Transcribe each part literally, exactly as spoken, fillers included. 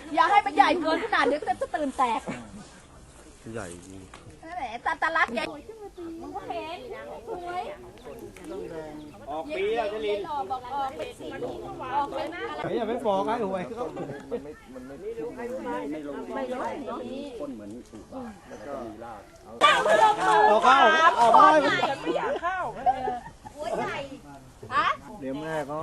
อย่าให้มันใหญ่เกินขนาดเดี๋ยวก็จะตื่นแตกใหญ่จริงนั่นแหละตาตาลักใหญ่มันก็เห็นสวยออกปีแล้วจะลินออกบอกออกเป็นสีออกเป็นอะไรอย่าไปบอกไอ้หวยเขาไม่รู้ต้นเหมือนสูบแล้วก็มีรากออกเข้าออกไปไม่อยากเข้าหัวใหญ่ฮะเดี๋ยวแม่เขา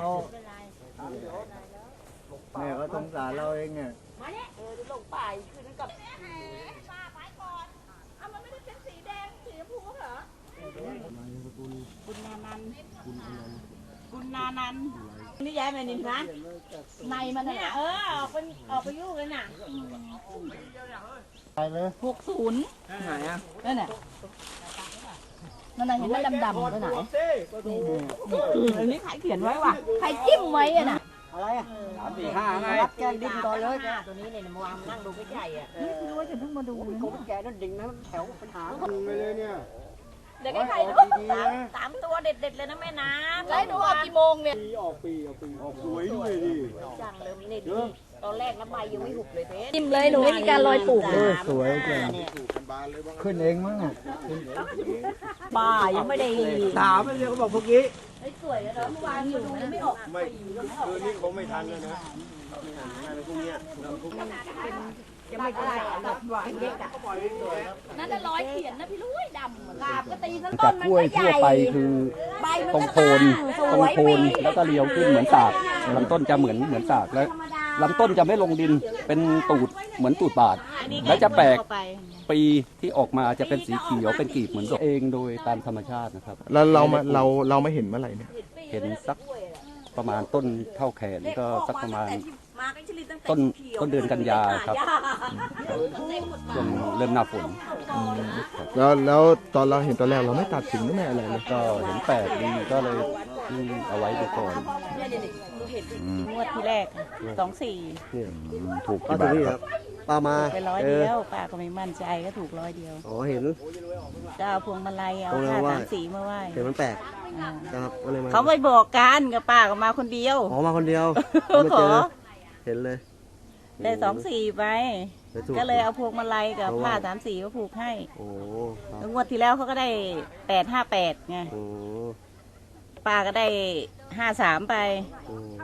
แม่เขาสงสารเราเองเนี่ยมาเนี่ยเออลงไปคืนกับป้าไปก่อนเอามันไม่ได้เป็นสีแดงสีชมพูเหรอคุณนานันคุณนานันนี่ย้ายมานี่นะในมันน่ะเออออกไปออกไปยุ่งเลยน่ะไปเลยหกศูนย์ไหนอ่ะนั่นน่ะนั่นน่ะเห็นไหมดำๆตัวไหนนี่อันนี้ใครเขียนไว้วะใครจิ้มไว้อะน่ะอะไรอ่ะสามสี่ห้าไงแกดิ้นก่อนเลยตัวนี้เนี่ยมาวางนั่งดูใกล้ๆอ่ะไม่รู้ว่าจะเพิ่งมาดูเลยแกนั่นดิ่งนะแถวปัญหาดึงไปเลยเนี่ยเดี๋ยวใครดูดีๆนะสามตัวเด็ดๆเลยนะแม่น้ำไล่ดูออกกี่โมงเนี่ยปีออกปีออกปีออกสวยด้วยดิจังเลยนี่ดีตอนแรกน้ำใบยังไม่หุบเลยเพชรจิ้มเลยหนูไม่มีการลอยปลูกเลยสวยจังขึ้นเองมั้งอ่ะป้ายังไม่ได้ถามไปเลยเขาบอกเมื่อกี้สวยแล้วเมื่อวานอยู่นะไม่ออกไม่คืนนี้คงไม่ทันแล้วนะอะไรพวกเนี้ยยังไม่ได้แบบหวานเล็กอ่ะนั่นน่ะร้อยเขียนนะพี่ลุยดำกาบก็ตีทั้งต้จากนกมันล้วยก็ใหทั่วญ่ไปคือใบมันตรงก็โคนสตรงวยโคนแล้วก็เรียวขึ้นเหมือนสากลำต้นจะเหมือนเหมือนสากแล้วลำต้นจะไม่ลงดินเป็นตูดเหมือนตูดบาดแล้วจะแปลกปีที่ออกมาจะเป็นสีเขียวเป็นกลีบเหมือนดอกเองโดยตามธรรมชาตินะครับแล้วเรามาเราเราไม่เห็นเมื่อไหร่เนี่ยเห็นสักประมาณต้นเท่าแขนก็สักประมาณต้นต้นเดือนกันยาครับช่วงเริ่มหน้าฝนแล้วแล้วตอนเราเห็นตอนแรกเราไม่ตัดสินหรือไม่อะไรเลยก็เห็นแปลกดีก็เลยเอาไว้ดูก่อนงวดที่แรกสองสี่ถูกกี่บาทครับปลามาไปร้อยเดียวป้าก็ไม่มั่นใจก็ถูกร้อยเดียวอ๋อเห็นก็เอาพวงมาลัยเอาผ้าสามสีมาไหว้เห็นมันแปลกครับก็เลยมาเขาไม่บอกกันกับป้าก็มาคนเดียวอ๋อมาคนเดียวขอเห็นเลยได้สองสี่ไป ก็เลยเอาพวงมาลัยกับผ้าสามสีมาผูกให้โอ้ครับแล้วงวดที่แล้วเขาก็ได้แปดห้าแปดไงโอ้ป้าก็ได้ห้าสามไปโอ้